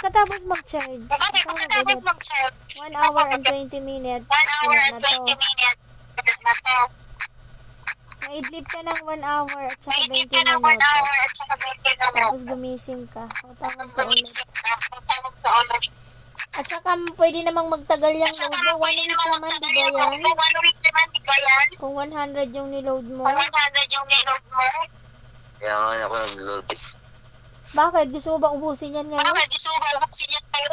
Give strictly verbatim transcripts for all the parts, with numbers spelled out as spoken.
pagkatapos mag-charge, Bakit ikaw pagkatapos mag-edit. mag-charge? one hour and twenty minutes. one hour Wala and na to. twenty minutes. Na to. Maidlip ka ng one hour at saka Naisip twenty ka ng one minutos. hour at saka twenty Tapos minutes. gumising ka. O, tawag Tapos ka ulit. gumising ka. Tawag ka ulit. At saka pwede namang magtagal yung At saka load mo. One pwede week naman naman, magtagal di ba yung yan? load mo. One week naman, di ba yan? Kung one hundred yung niload mo. Kung one hundred yung niload mo. Kaya nga ako nag-load eh. Bakit? Gusto mo ba ubusin yan ngayon? Bakit gusto mo ba ubusin yan tayo?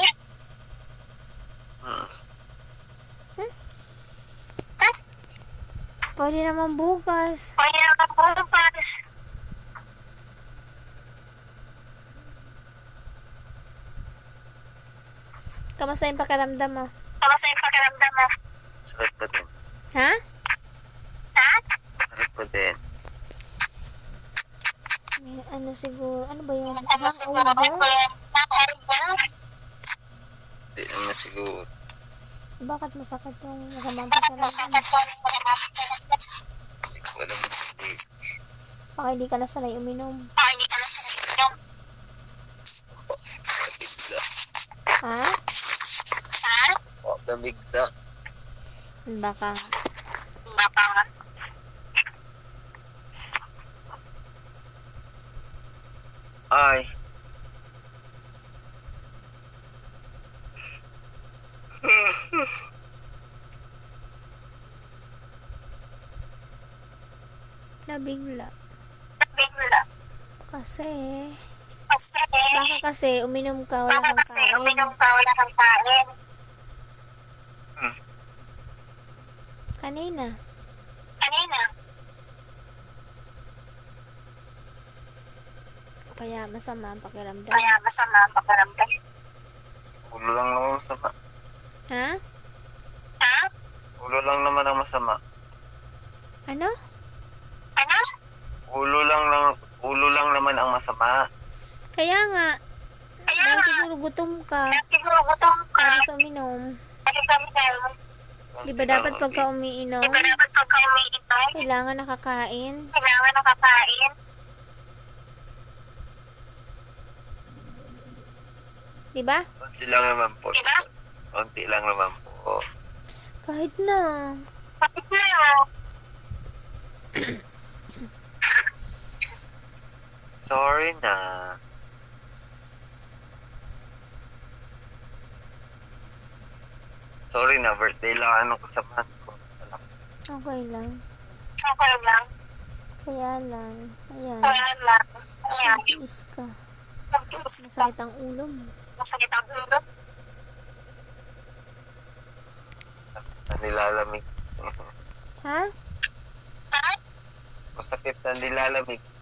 Hmm. Pwede naman bukas. Pwede naman bukas. Kamusta yung pakiramdam mo? Kamusta yung pakiramdam mo? Sakit pa din. Ha? Ha? Sakit pa din. May ano siguro, ano ba yun? Ano siguro? Ano Hangover? ba yan? Hangover? Hindi naman siguro. Bakit masakit yung masamang Bakit mo sa pakiramdam? Hindi ko alam siguro. Baka hindi ka na sanay uminom. Baka hindi ka na sa inom. Bigla. Ha? Ha? Oh, nabigla. Baka. Baka nga. Ay. Nabigla. Bigla. Kasi, Kasi, baka kasi uminom ka, wala baka kang kasi kain. uminom ka, wala kang kain. Hmm. Kanina. Kanina. Kaya masama ang pakiramdam. Kaya masama ang pakiramdam. Ulo lang naman masama. Ha? Ha? Ulo lang naman ang masama. Ano? Ano? Ulo lang lang ulo lang naman ang masama. Kaya nga, Kaya dahil nga, siguro gutom ka, siguro gutom ka. tapos uminom. Ano kami tayo? Di ba dapat pagka umiinom, Di ba dapat pagka umiinom? kailangan nakakain? Kailangan nakakain. Di ba? Konti lang naman po. Diba? Konti lang naman po. Kahit na. Bakit na? Sorry na. Sorry na, birthday lang ano kasamahan ko. Okay lang. Okay lang. Kaya lang. Ayan. Kaya lang. Ayan. Is ka. Mag-iis ka. Masakit ang ulo mo. Masakit ang ulo. Na nilalamig. Ha? Ha? Masakit na nilalamig.